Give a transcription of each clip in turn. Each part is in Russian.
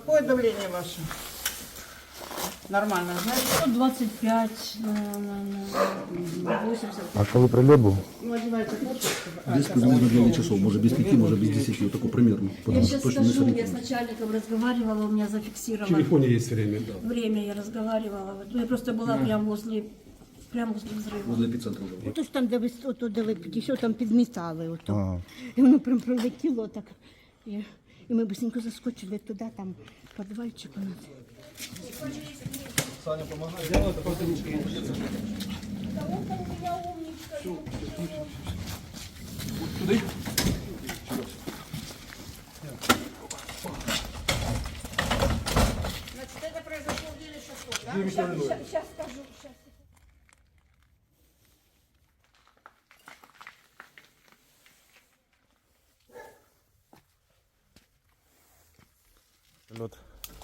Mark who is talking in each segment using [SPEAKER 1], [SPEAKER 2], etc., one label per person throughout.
[SPEAKER 1] Какое давление ваше? Нормально, знаете?
[SPEAKER 2] 25, 80.
[SPEAKER 3] А коли прильот був?
[SPEAKER 1] Ну, одевайте куртку.
[SPEAKER 4] Без примерно 9 часов, может без 5, может без 10, вот такой примерно.
[SPEAKER 2] Я
[SPEAKER 4] Потому что
[SPEAKER 2] сейчас
[SPEAKER 4] точно не
[SPEAKER 2] скажу, я с
[SPEAKER 4] сориентируюсь.
[SPEAKER 2] начальником разговаривала, у меня
[SPEAKER 5] В
[SPEAKER 2] зафиксировано
[SPEAKER 5] телефоне есть время, да.
[SPEAKER 2] время, я разговаривала. Вот я просто была прямо возле взрыва.
[SPEAKER 4] Возле эпицентра уже.
[SPEAKER 6] Ото ж там, де ви ото, де ви підійшов, там підмітали ото.
[SPEAKER 3] Ага.
[SPEAKER 6] І воно прям пролетіло так. І ми быстренько заскочили туди, там підвальчик у нас.
[SPEAKER 1] Значит, это произошло в 9 часов, да?
[SPEAKER 6] Зараз скажу, зараз.
[SPEAKER 3] Прильот.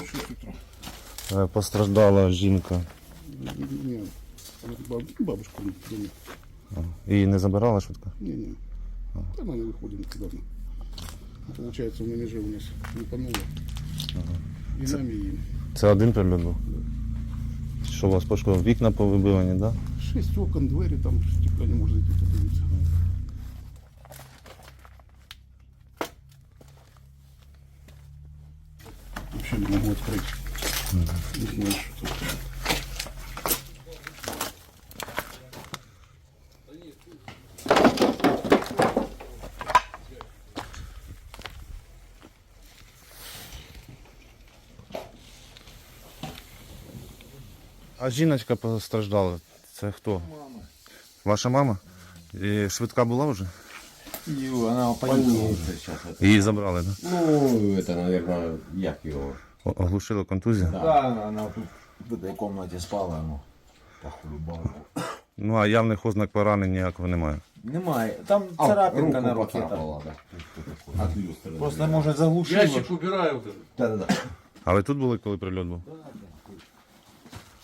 [SPEAKER 3] Постраждала жінка.
[SPEAKER 4] Нет, бабушка не.
[SPEAKER 3] Її не забирала швидко?
[SPEAKER 4] Не. Она не выходит никуда. Получается, на меже у нас лупануло. И нами, и им.
[SPEAKER 3] Це один прильот був? Що у вас пошкодило? Вікна повибивані, так?
[SPEAKER 4] 6 окон, двери, там стекла не может зайти, подивиться. Вообще не могу открыть. Не знаю, что тут.
[SPEAKER 3] А жіночка постраждала. Це хто? Мама. Ваша мама? І швидка була вже?
[SPEAKER 7] Она больница сейчас.
[SPEAKER 3] Її забрали, так?
[SPEAKER 7] Ну, это, наверное, як его.
[SPEAKER 3] Оглушила контузія?
[SPEAKER 7] Да, она тут в этой комнате спала, ну, похулюбала.
[SPEAKER 3] Ну а явних ознак поранень ніякого немає.
[SPEAKER 7] Немає. Там царапинка на руке. Просто, может, заглушила.
[SPEAKER 5] Ящик убираю вот этот.
[SPEAKER 7] Да.
[SPEAKER 3] А ви тут були, коли прильот був?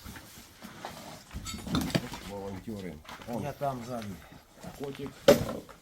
[SPEAKER 7] Волонтеры. Я там сзади. Котик.